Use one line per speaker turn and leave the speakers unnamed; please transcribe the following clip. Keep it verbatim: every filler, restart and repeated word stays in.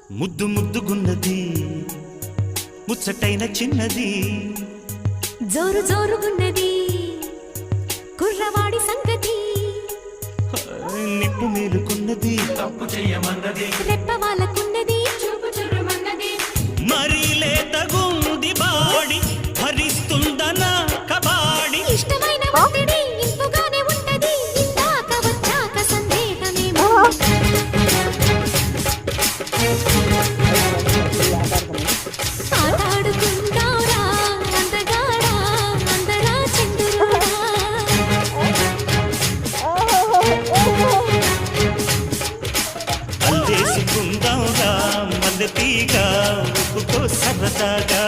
ముద్దు ముద్దుగున్నది ముచ్చటైన చిన్నది
జోరు జోరుగున్నది కుర్రవాడి సంగతి
నిప్పు మేలుకున్నది
తప్పు చెయ్యమన్నది
రెప్ప వాళ్ళకున్నది
చూపు చుర్రుమన్నది
మరీ లేతగుంది బాడి భరిస్తుందనా కబాడి
ఇష్టమైన ఒత్తిడి ఇంపుగానే ఉంటది ఇందాక వచ్చాక సందేహమేమో ఆటాడుకుందారా అందగాడా అందరా చంద్రుడా
అల్లేసుకుందాంరా మల్లె తీగ ఉప్పుకో సరదాగా